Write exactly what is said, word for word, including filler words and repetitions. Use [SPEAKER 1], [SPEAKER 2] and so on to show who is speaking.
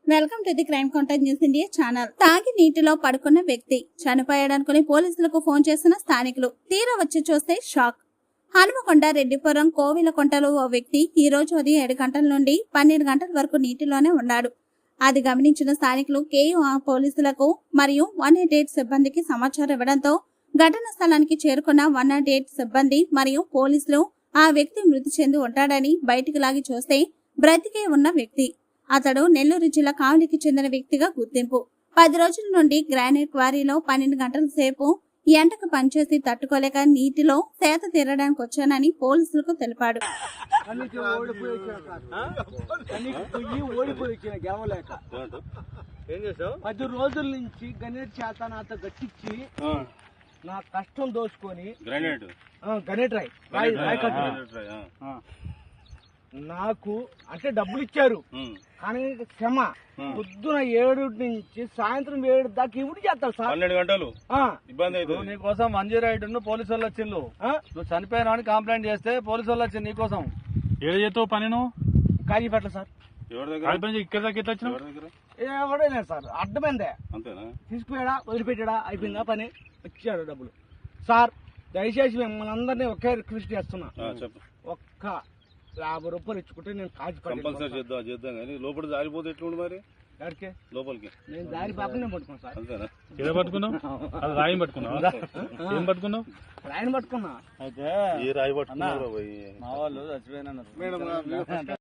[SPEAKER 1] Welcome to the crime contact news India channel. తాగి నీటిలో పడుకున్న వ్యక్తి చనిపోయాడనుకుని పోలీసులకు ఫోన్ చేసిన స్థానికులు తీరా వచ్చి చూస్తే షాక్. హనుమకొండ రెడ్డిపురం కోవిలకొంటలో ఓ వ్యక్తి ఈ రోజు ఉదయం ఏడు గంటల నుండి పన్నెండు గంటల వరకు నీటిలోనే ఉన్నాడు. అది గమనించిన స్థానికులు కేయూ పోలీసులకు మరియు వన్ ఎయిట్ ఎయిట్ సిబ్బందికి సమాచారం ఇవ్వడంతో ఘటనా స్థలానికి చేరుకున్న వన్ నాట్ ఎయిట్ సిబ్బంది మరియు పోలీసులు ఆ వ్యక్తి మృతి చెంది ఉంటాడని బయటికి లాగి చూస్తే బ్రతికే ఉన్న వ్యక్తి. అతడు నెల్లూరు జిల్లా కావలికి చెందిన వ్యక్తిగా గుర్తింపు. పది రోజుల నుండి గ్రానైట్ క్వారీలో పన్నెండు గంటల సేపు ఎండకు పనిచేసి తట్టుకోలేక నీటిలో సేత తీరడానికి వచ్చానని పోలీసులకు తెలిపాడు.
[SPEAKER 2] పది రోజుల నుంచి గణేట్ చేత నాతో గట్టించి నా కష్టం దోచుకొని
[SPEAKER 3] గ్రానైట్
[SPEAKER 2] గణేట్ రాయ్ రాయ్ రాయ్ కట్టు నాకు అంటే డబ్బులు ఇచ్చారు కానీ క్షమ పొద్దున ఏడు నుంచి సాయంత్రం ఏడు దాకా ఇవి చేస్తారు సార్.
[SPEAKER 3] పన్నెండు గంటలు ఇబ్బంది అవుతుంది.
[SPEAKER 4] నీకోసం వన్ జీరో ఎయిట్ పోలీసు వాళ్ళు వచ్చిండు. నువ్వు చనిపోయినా అని కంప్లైంట్ చేస్తే పోలీసు వాళ్ళు వచ్చింది నీకోసం. ఏడు చేస్తావు పని నువ్వు
[SPEAKER 2] కాజీపేటలో సార్.
[SPEAKER 3] ఎవరి దగ్గర
[SPEAKER 4] ఇక్కడ దాకా ఎట్లా వచ్చినావు?
[SPEAKER 2] ఎవడైనా సార్ అడ్డమైందే
[SPEAKER 3] అంతేనా?
[SPEAKER 2] తీసుకుపోయాడా వదిలిపెట్టాడా అయిపోయిందా పని వచ్చాడు డబ్బులు. సార్ దయచేసి మిమ్మల్ని అందరినీ ఒకే రిక్వెస్ట్ చేస్తున్నా,
[SPEAKER 3] చెప్పు.
[SPEAKER 2] ఒక్క యాభై రూపాయలు ఇచ్చుకుంటే నేను కాజీ
[SPEAKER 3] కంపల్సరీ చేద్దాం చేద్దాం కానీ లోపల జారిపోతే ఎట్లుండి మరి
[SPEAKER 2] ఎవరికి
[SPEAKER 3] లోపలికి
[SPEAKER 2] నేను దారి పాపనే పట్టుకున్నా సార్.
[SPEAKER 3] అంతేనా?
[SPEAKER 4] ఏదో పట్టుకున్నావు? అది రాయం పట్టుకున్నావు? ఏం పట్టుకున్నావు?
[SPEAKER 2] రాయని పట్టుకున్నా.
[SPEAKER 4] అయితే
[SPEAKER 3] ఏ రాయి పట్టుకున్నా
[SPEAKER 4] మా వాళ్ళు చచ్చిపోయినా
[SPEAKER 3] మేడం